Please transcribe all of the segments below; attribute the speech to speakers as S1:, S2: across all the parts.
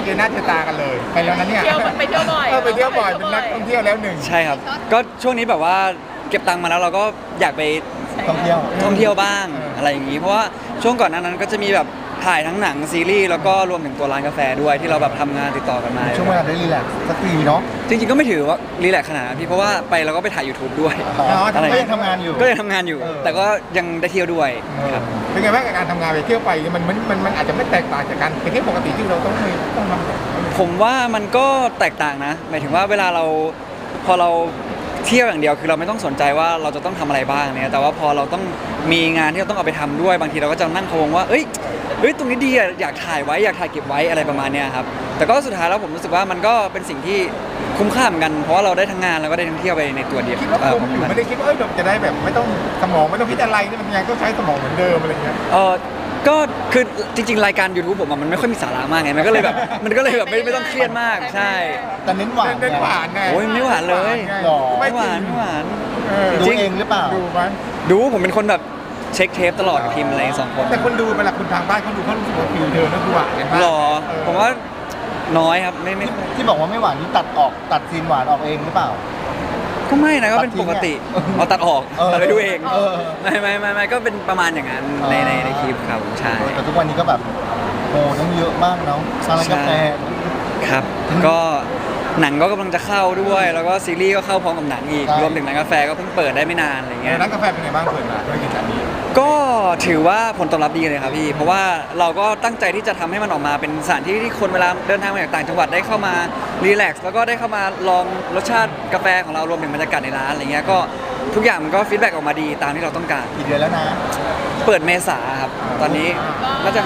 S1: เจอหน้าเจอตากันเลยไปแล้วนะเนี่ย
S2: ไปเที่ยวบ่อย
S1: ไปเที่ยวบ่อยเป็นนักท่องเที่ยวแล้วหนึ่ง
S3: ใช่ครับก็ช่วงนี้แบบว่าเก็บตังค์มาแล้วเราก็อยากไป
S4: ท่องเที่ยว
S3: บ้างอะไรอย่างนี้เพราะว่าช่วงก่อนหน้านั้นก็จะมีแบบถ่ายทั้งหนังซีรีส์แล้วก็รวมถึงตัวร้านกาแฟด้วยที่เราแบบทำงานติดต่อกันมา
S4: ช่วงเวลาได้รีแลกซ์สักทีเนาะ
S3: จริงๆก็ไม่ถือว่ารีแลกซ์ขนาดนั้นพี่เพราะว่าไปเราก็ไปถ่าย YouTube ด้วย
S4: อะไรก็ยังทำงานอยู่
S3: แต่ก็ยังได้เที่ยวด้วยครับ
S1: เป็นไงบ้างกับการทำงานไปเที่ยวไปมันอาจจะไม่แตกต่างจากการไปเที่ยวปกติที่เราต้องทำ
S3: ผมว่ามันก็แตกต่างนะหมายถึงว่าเวลาเราพอเราเที่ยวอย่างเดียวคือเราไม่ต้องสนใจว่าเราจะต้องทำอะไรบ้างเนี่ยแต่ว่าพอเราต้องมีงานที่เราต้องเอาไปทำด้วยบางทีเราก็จะนั่งพะวงว่าเอ้ยตรงนี้ดีอะอยากถ่ายไว้อยากถ่ายเก็บไว้อะไรประมาณเนี้ยครับแต่ก็สุดท้ายแล้วผมรู้สึกว่ามันก็เป็นสิ่งที่คุ้มค่าเหมือนกันเพราะว่าเราได้ทั้งงานแล้วก็ได้ทั้งเที่ยวไปในตัวเดียว
S1: คิดว่าคุ้มอยู่ไม่ได้คิดว่าเราจะได้แบบไม่ต้องสมองไม่ต้องคิดอะไรนี่มันยังต้องใช้สมองเหมือนเดิมอะไรเงี้ย
S3: ก็คือจริงๆรายการ YouTube ผมมันไม่ค่อยมีสาระมากไงมันก็เลยแบบไม่ต้องเครียดมากใช่
S4: แต่เน้นหวาน
S1: ไง
S3: โอ้ยไม่หวานเลยไม่หวาน
S4: ดูเองหรือเปล่า
S1: ดูมั้ย
S3: ดูผมเป็นคนแบบเช็คเทปตลอดกับพิมพ์อะไร2 คน
S1: แต่คนดูเวลาคุณทางบ้านเขาดูเขารู้สึกว่าฟิลเธอแล้วดูหวานกันมาก
S3: หรอผมว่าน้อยครับไม่
S4: ที่บอกว่าไม่หวานนี่ตัดซีนหวานออกเองหรือเปล่า
S3: ก็ไม่นะก็เป็นปกติเอาตัดออกตัดไปดูเองไม่ก็เป็นประมาณอย่างนั้นในคลิปครับใช่
S4: แต่ทุกวันนี้ก็แบบโอ้ต้องเยอะมากเนาะร้านกาแฟ
S3: ครับก็หนังก็กำลังจะเข้าด้วยแล้วก็ซีรีส์ก็เข้าพร้อมกับหนังอีกรวมถึงร้านกาแฟก็เพิ่งเปิดได้ไม่นานอะไรเงี้ย
S1: ร้านกาแฟเป็นไงบ้างเปิดมาธุรกิจอันนี้
S3: ก็ถือว่าผลตอบรับดีเลยครับพี่เพราะว่าเราก็ตั้งใจที่จะทำให้มันออกมาเป็นสถานที่ที่คนเวลาเดินทางมาจากต่างจังหวัดได้เข้ามารีแลกซ์แล้วก็ได้เข้ามาลองรสชาติกาแฟของเรารวมถึงบรรยากาศในร้านอะไรเงี้ยก็ทุกอย่างมันก็ฟีดแบ็กออกมาดีตามที่เราต้องการ
S4: กี่เดือนแล้วนะ
S3: เปิดเมษาครับตอนนี้น่าจะ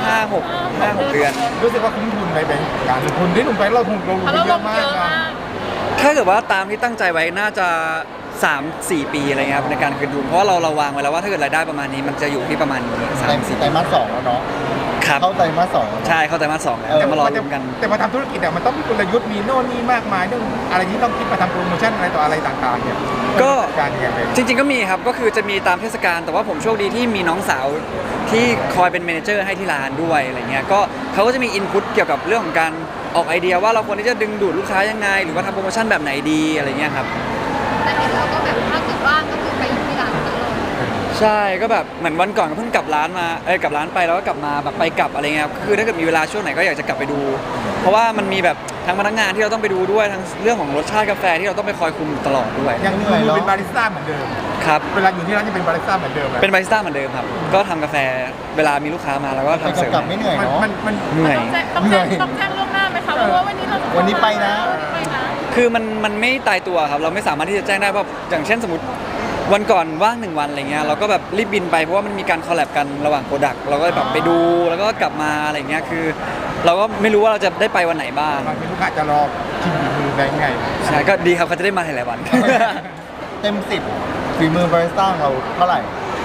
S3: 5-6 เดือน
S1: รู้สึกว่าคุ้มทุนไปเป็นการลงทุนที่ลงไปเราลงเยอะมาก
S3: ถ้าเกิดว่าตามที่ตั้งใจไว้น่าจะ3-4 ปีอะไรเงี้ยครับในการคืนทุนเพราะว่าเราวางไว้แล้วว่าถ้าเกิดรายได้ประมาณนี้มันจะอยู่ที่ประมาณนี้
S4: 3-4 ไตรมาส 2แล้วเนาะ
S3: ครับ
S4: เข้าไตรมาส 2
S3: ใช่เข้าไตรมาส 2แล้วจะมารอลุ้นกัน
S1: แต่มาทำธุรกิจมันต้องมีกลยุทธ์มีโน่นนี่มากมายเรื่องอะไรที่ต้องคิดมาทำโปรโมชั่นอะไรต่ออะไรต่างๆเนี่ย
S3: ก็
S1: การยังไง
S3: จริงๆก็มีครับก็คือจะมีตามเทศกาลแต่ว่าผมโชคดีที่มีน้องสาวที่คอยเป็นเมเนเจอร์ให้ที่ร้านด้วยอะไรเงี้ยก็เขาก็จะมีอินพุตเกี่ยวกับเรื่องของการออกไอเดียว่าเราควรที่จะดึงดูดลูกค้ายังไงหรือว่าทำโปรโมชั่นแบบไหนดีอะไรเงี้ยครับ
S2: แต่เห็นเราก็แบบถ้าเกิดว่างก็คือไปอยู่ที่ร้านตลอด
S3: ใช่ก็แบบเหมือนวันก่อนก็เพิ่งกลับร้านมากลับร้านไปแล้วก็กลับมาแบบไปกลับอะไรเงี้ยคือถ้าเกิดมีเวลาช่วงไหนก็อยากจะกลับไปดูเพราะว่ามันมีแบบทั้งพนักงานที่เราต้องไปดูด้วยทั้งเรื่องของรสชาติกาแฟที่เราต้องไปคอยคุมตลอดด้วย
S1: ยังเป็นบาริสต้าเหมือนเดิม
S3: ครับ
S1: เวลาอยู่ที่ร้านจะเป็นบาริสต้าเหมือนเดิม
S3: เป็นบาริสต้าเหมือนเดิมครับก็ทำกาแฟเวลามีลูกค้ามาแล้วก็ทำเสิร์ฟ
S4: กลับไม่เหนื่อยเนาะ
S1: มัน
S3: เหนื่อย
S2: ต้องแจ้งล่วงหน้าไหมคะเพราะว่า
S4: วันนี้ไปนะ
S3: คือมันไม่ตายตัวครับเราไม่สามารถที่จะแจ้งได้เพราะอย่างเช่นสมมติวันก่อนว่าง1 วันอะไรเงี้ยเราก็แบบรีบบินไปเพราะว่ามันมีการคอลแลบกันระหว่างโปรดักต์เราก็แบบไปดูแล้วก็กลับมาอะไรเงี้ยคือเราก็ไม่รู้ว่าเราจะได้ไปวันไหนบ้าง
S1: บางทีลูกค้าจะรอชิมฝีมือได้ไง
S3: ใช่ก็ดีครับเขาจะได้มาหลายวัน
S4: เต็ม10ฝีมือบาริสต้าเราเท่าไหร่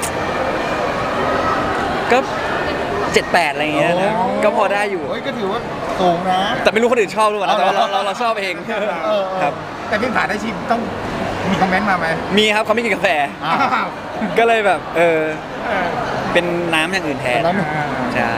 S3: ก็7-8อะไรเงี้ยนะก็พอได้อยู่
S4: ก็ถือว่าสูงนะ
S3: แต่ไม่รู้คนอื่นชอบหรือเปล่าแต่ว่าเราชอบเองครับ
S1: แต่พี่ผ่านได้ชิมต้องมีคอมเมนต์มาไหม
S3: มีครับเขาไม่กินกาแฟก็เลยแบบเป็นน้ำอย่างอื่นแทนใช่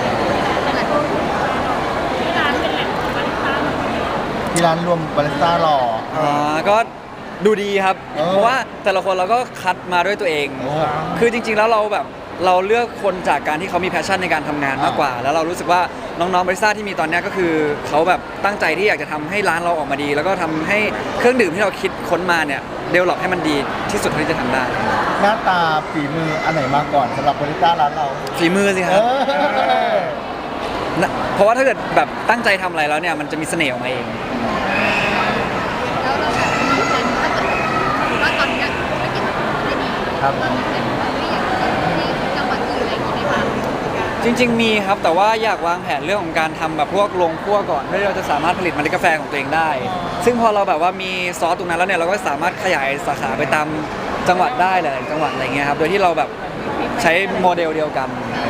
S4: ที่ร้านรวมบาริสต้าหล่อ
S3: ก็ดูดีครับเพราะว่าแต่ละคนเราก็คัดมาด้วยตัวเองคือจริงๆแล้วเราเลือกคนจากการที่เขามีแพชชั่นในการทำงานมากกว่าแล้วเรารู้สึกว่าน้องๆบาริสต้าที่มีตอนนี้ก็คือเขาแบบตั้งใจที่อยากจะทำให้ร้านเราออกมาดีแล้วก็ทำให้เครื่องดื่มที่เราคิดค้นมาเนี่ยเดเวลลอปให้มันดีที่สุดที่จะทำได้
S4: หน้าตาฝีมืออันไหนมาก่อนสำหรับบาริสต้าร้านเรา
S3: ฝีมือสิครับเพราะว่าถ้าเกิดแบบตั้งใจทำอะไรแล้วเนี่ยมันจะมีเสน่ห์ออกมาเอง
S2: แล้วเราแบบมีแผนถ้าเกิดว่าตอนนี้ธุรกิจได้ดีเรามีแผนว่าอยากจะที่จังหวัดอื่นอะไรอย่างนี้ไหมคะ
S3: จริงๆมีครับแต่ว่าอยากวางแผนเรื่องของการทำแบบพวกโรงคั่วก่อนเพื่อที่เราจะสามารถผลิตเมล็ดกาแฟของตัวเองได้ซึ่งพอเราแบบว่ามีซอสตรงนั้นแล้วเนี่ยเราก็สามารถขยายสาขาไปตามจังหวัดได้หลายจังหวัดอะไรเงี้ยครับโดยที่เราแบบใช้โมเดลเดียวกัน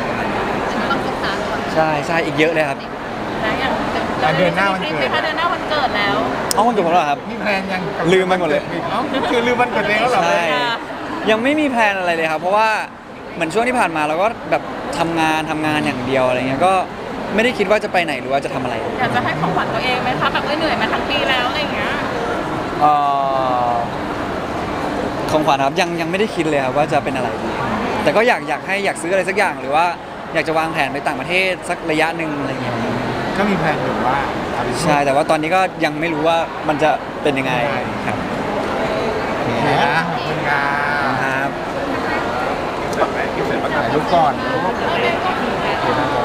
S3: ใช่อีกเยอะเลยครับ
S1: เดือนหน้าวันเกิด
S2: เดือนหน้าวันเกิดแล้ว
S3: วันเกิดผมแล้วครับ
S1: พี่แพลนยัง
S3: ลืมไปหมดเลย
S1: คือลืมวันเกิดแล้วเหรอ
S3: ใช่ยังไม่มีแพลนอะไรเลยครับเพราะว่าเหมือนช่วงที่ผ่านมาเราก็แบบทำงานอย่างเดียวอะไรเงี้ยก็ไม่ได้คิดว่าจะไปไหนหรือว่าจะทำอะไร
S5: อยากจะให้ของขวัญตัวเองไหมคะแบบเหนื่อยมาทั้งปีแล้วอะไรอย่างเงี้ย
S3: เอ่อของขวัญครับยังไม่ได้คิดเลยครับว่าจะเป็นอะไรดีแต่ก็อยากซื้ออะไรสักอย่างหรือว่าอยากจะวางแผนไปต่างประเทศสักระยะหนึ่งอะไรเงี้ย
S1: ก็มีแผนอยู่ว่าเอาไป
S3: ใช่แต่ว่าตอนนี้ก็ยังไม่รู้ว่ามันจะเป็นยังไงครับ
S1: โอเคนะขอบคุณครับ
S3: ครับ
S1: ถ่ายรูปก่อน
S2: โอเคก็
S1: โอเคครับผม